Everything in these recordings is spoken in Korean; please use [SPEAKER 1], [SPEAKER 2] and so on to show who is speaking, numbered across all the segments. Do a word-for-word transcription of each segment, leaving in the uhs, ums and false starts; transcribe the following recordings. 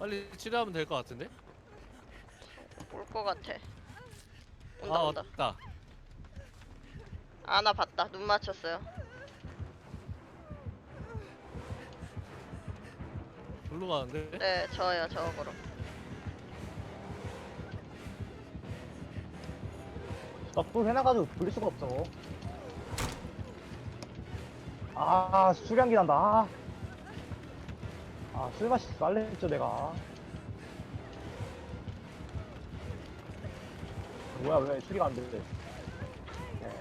[SPEAKER 1] 빨리 치료하면 될 것 같은데?
[SPEAKER 2] 올 것 같아. 온다
[SPEAKER 1] 아
[SPEAKER 2] 온다.
[SPEAKER 1] 왔다.
[SPEAKER 2] 아나 봤다. 눈 맞췄어요.
[SPEAKER 1] 절로 가는데?
[SPEAKER 2] 네 저요 저거로.
[SPEAKER 3] 나또 해놔가지고 돌릴 수가 없어. 아, 수량기 난다. 아, 아 술맛이 날래 했죠, 내가. 뭐야, 왜 수리가 안 돼? 네.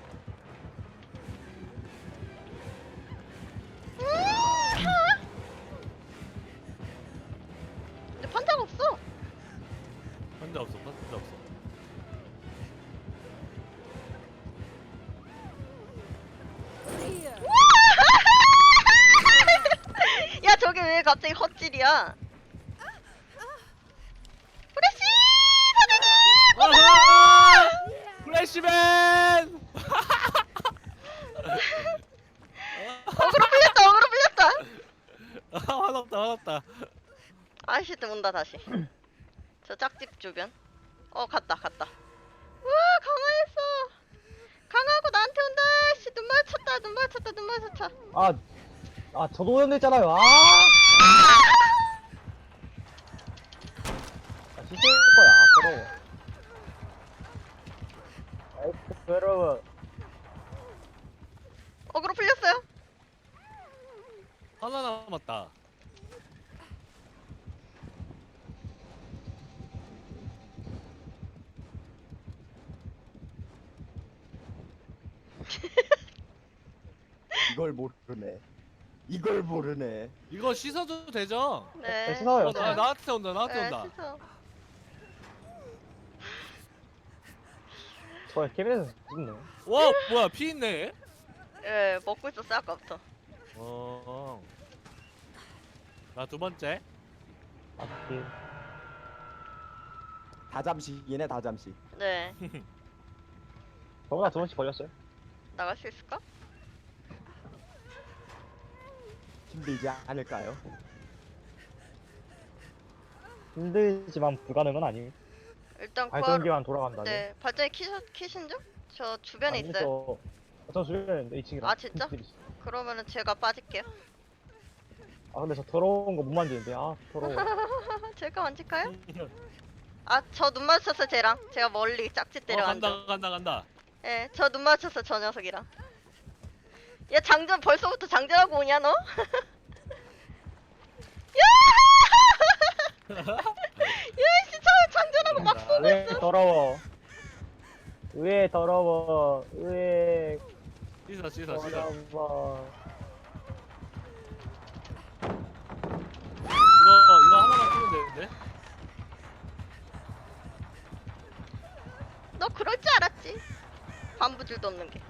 [SPEAKER 2] 근데 판자가 없어.
[SPEAKER 1] 환자 없어. 환자 없어.
[SPEAKER 2] 야 저게 왜 갑자기 헛질이야? 프레시 선생님!
[SPEAKER 1] 아하! 플래시맨!
[SPEAKER 2] 어그로 풀렸다 어그로 풀렸다.
[SPEAKER 1] 아 화났다 화났다.
[SPEAKER 2] 아이씨 또 온다 다시. 저 짝집 주변. 어 갔다 갔다. 우와 강화했어. 강화하고 나한테 온다. 씨 눈 마주쳤다 눈 마주쳤다 눈 마주쳤다.
[SPEAKER 3] 아, 아, 저도 오염됐잖아요. 아! 아, 씻을 거야, 서러워. 아이고, 여러분.
[SPEAKER 2] 어그로 풀렸어요.
[SPEAKER 1] 하나 남았다.
[SPEAKER 4] 이걸 모르네. 이걸 모르네.
[SPEAKER 1] 이거 씻어도 되죠?
[SPEAKER 2] 네.
[SPEAKER 3] 네, 씻어요.
[SPEAKER 1] 어, 나, 나한테 온다 나한테
[SPEAKER 2] 네,
[SPEAKER 1] 온다.
[SPEAKER 2] 씻어.
[SPEAKER 3] 저 케빈에서 죽네.
[SPEAKER 1] 와 뭐야 피 있네.
[SPEAKER 2] 예 먹고 있었어 아까부터.
[SPEAKER 1] 어. 나 두 번째.
[SPEAKER 3] 아, 예.
[SPEAKER 4] 다 잠시 얘네 다 잠시.
[SPEAKER 2] 네.
[SPEAKER 3] 저보다 두 번씩 걸렸어요.
[SPEAKER 2] 나갈 수 있을까?
[SPEAKER 4] 힘들지 않을까요?
[SPEAKER 3] 힘들지만 불가능은 아니.
[SPEAKER 2] 일단 구하러.
[SPEAKER 3] 발전기만 돌아간다네.
[SPEAKER 2] 네. 발전기 키셔 키신 중? 저 주변에
[SPEAKER 3] 아니,
[SPEAKER 2] 있어요.
[SPEAKER 3] 저, 저 주변에 이 층이라.
[SPEAKER 2] 아, 진짜? 그러면은 제가 빠질게요.
[SPEAKER 3] 아 근데 저 더러운 거 못 만지는데. 아 더러워.
[SPEAKER 2] 제가 만질까요? 아 저 눈 마주쳤어 쟤랑. 제가 멀리 짝짓
[SPEAKER 1] 어
[SPEAKER 2] 때려
[SPEAKER 1] 간다
[SPEAKER 2] 앉아.
[SPEAKER 1] 간다 간다.
[SPEAKER 2] 예, 저 눈 마주쳤어 저 녀석이랑. 야 장전 벌써부터 장전하고 오냐 너? 야! 야이씨 저 장전하고 막 쏘고
[SPEAKER 3] 왜
[SPEAKER 2] 있어.
[SPEAKER 3] 더러워. 왜 더러워. 왜
[SPEAKER 1] 씻어 씻어 씻어.
[SPEAKER 3] 더러워.
[SPEAKER 1] 이거 이거 하나만 쓰면 되는데.
[SPEAKER 2] 너 그럴 줄 알았지. 반부줄도 없는 게.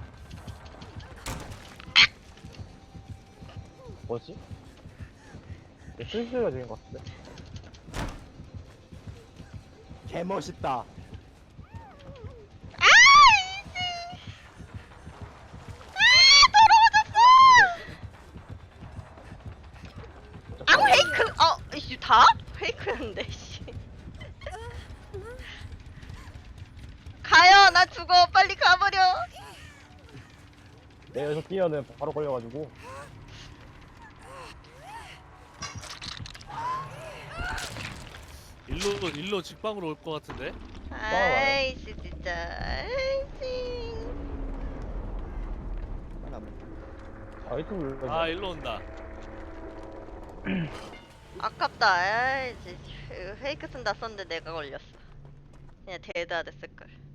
[SPEAKER 3] 뭐지? 내 슬슬가 되는 것 같은데.
[SPEAKER 4] 개 멋있다.
[SPEAKER 2] 아 페이크! 어, 이씨 다? 페이크였는데 씨. 가요, 나 죽어. 빨리 가버려.
[SPEAKER 3] 내 여기서 뛰어는 바로 걸려가지고.
[SPEAKER 1] 일로 일로 직방으로 올 것 같은데.
[SPEAKER 2] 아이씨 진짜. 아이씨.
[SPEAKER 3] 아 이쪽 눌러.
[SPEAKER 1] 아 일로 온다.
[SPEAKER 2] 아깝다. 아이씨. 페이크 쓴다 썼는데 내가 걸렸어. 그냥 대다 됐을걸.